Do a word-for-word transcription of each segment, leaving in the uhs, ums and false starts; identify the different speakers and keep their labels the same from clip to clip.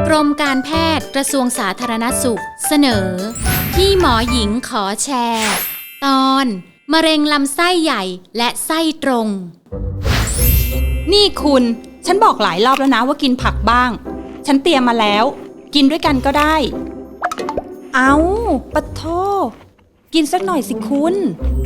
Speaker 1: กรมการแพทย์กระทรวงสาธารณสุขเสนอพี่หมอหญิงขอแชร์ ตอนมะเร็งลำไส้ใหญ่และไส้ตรง
Speaker 2: นี่คุณฉันบอกหลายรอบแล้วนะว่ากินผักบ้างฉันเตรียมมาแล้วกินด้วยกันก็ได้เอาปะโทกินสักหน่อยสิคุณ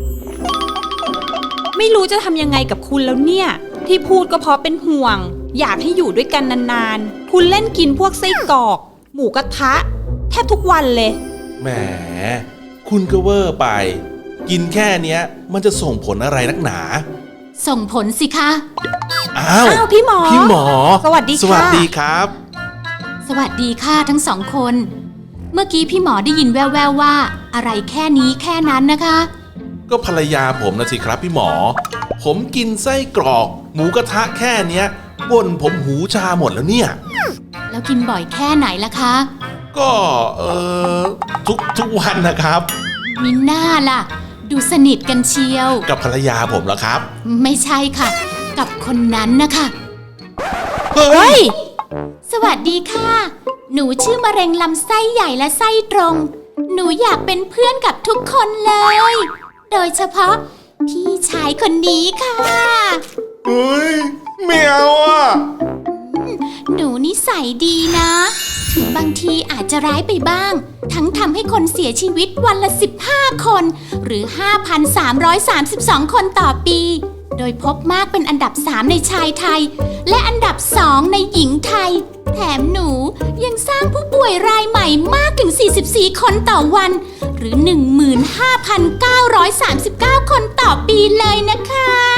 Speaker 2: ไม่รู้จะทำยังไงกับคุณแล้วเนี่ยที่พูดก็เพราะเป็นห่วงอยากให้อยู่ด้วยกันนานๆคุณเล่นกินพวกไส้กรอกหมูกระทะแทบทุกวันเลย
Speaker 3: แหมคุณก็เวอร์ไปกินแค่เนี้ยมันจะส่งผลอะไรนักหนา
Speaker 1: ส่งผลสิคะ
Speaker 3: อ้าว
Speaker 2: อ้าวพี่หมอ
Speaker 3: พี่หมอ
Speaker 2: สวัสดีค่ะ
Speaker 3: สวัสดีครับ
Speaker 1: สวัสดีค่ะทั้งสองคนเมื่อกี้พี่หมอได้ยินแว่วๆว่าอะไรแค่นี้แค่นั้นนะคะ
Speaker 3: ก็ภรรยาผมนะสิครับพี่หมอผมกินไส้กรอกหมูกระทะแค่เนี้ยบ่นผมหูชาหมดแล้วเนี่ย
Speaker 1: แล้วกินบ่อยแค่ไหนล่ะคะ
Speaker 3: ก็เออทุกทุกวันนะครับ
Speaker 1: มิน่าล่ะดูสนิทกันเชียว
Speaker 3: กับภรรยาผมเหรอครับ
Speaker 1: ไม่ใช่ค่ะกับคนนั้นนะคะ
Speaker 3: เฮ้ย
Speaker 1: สวัสดีค่ะหนูชื่อมะเร็งลำไส้ใหญ่และไส้ตรงหนูอยากเป็นเพื่อนกับทุกคนเลยโดยเฉพาะพี่ชายคนนี้ค่ะ
Speaker 3: เฮ้ยไม่เอาอ่ะ
Speaker 1: หนูนิสัยดีนะถึงบางทีอาจจะร้ายไปบ้างทั้งทำให้คนเสียชีวิตวันละสิบห้าคนหรือ ห้าพันสามร้อยสามสิบสอง คนต่อปีโดยพบมากเป็นอันดับสามในชายไทยและอันดับสองในหญิงไทยแถมหนูยังสร้างผู้ป่วยรายใหม่มากถึงสี่สิบสี่คนต่อวันหรือ หนึ่งหมื่นห้าพันเก้าร้อยสามสิบเก้า คนต่อปีเลยนะคะ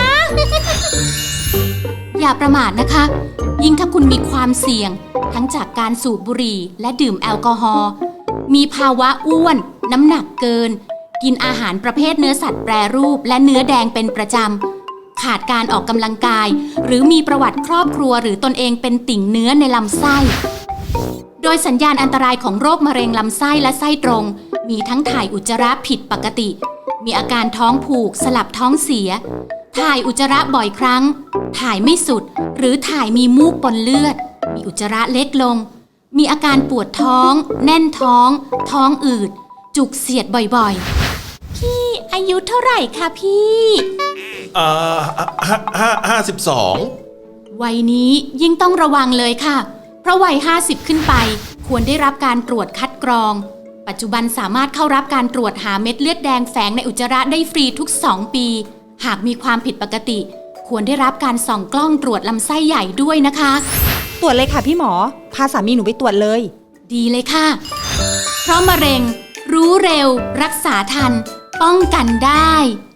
Speaker 1: อย่าประมาทนะคะยิ่งถ้าคุณมีความเสี่ยงทั้งจากการสูบบุหรี่และดื่มแอลกอฮอล์มีภาวะอ้วนน้ำหนักเกินกินอาหารประเภทเนื้อสัตว์แปรรูปและเนื้อแดงเป็นประจำขาดการออกกำลังกายหรือมีประวัติครอบครัวหรือตนเองเป็นติ่งเนื้อในลำไส้โดยสัญญาณอันตรายของโรคมะเร็งลำไส้และไส้ตรงมีทั้งถ่ายอุจจาระผิดปกติมีอาการท้องผูกสลับท้องเสียถ่ายอุจจาระบ่อยครั้งถ่ายไม่สุดหรือถ่ายมีมูกปนเลือดมีอุจจาระเล็กลงมีอาการปวดท้องแน่นท้องท้องอืดจุกเสียดบ่อยๆพี่อายุเท่าไหร่คะพี่
Speaker 3: เอ่อห้าห้าห้าสิบสอง
Speaker 1: วัยนี้ยิ่งต้องระวังเลยค่ะเพราะวัยห้าสิบขึ้นไปควรได้รับการตรวจคัดกรองปัจจุบันสามารถเข้ารับการตรวจหาเม็ดเลือดแดงแฝงในอุจจาระได้ฟรีทุกสองปีหากมีความผิดปกติควรได้รับการส่องกล้องตรวจลำไส้ใหญ่ด้วยนะคะ
Speaker 2: ตรวจเลยค่ะพี่หมอพาสามีหนูไปตรวจเลย
Speaker 1: ดีเลยค่ะเพราะมะเร็งรู้เร็วรักษาทันป้องกันได้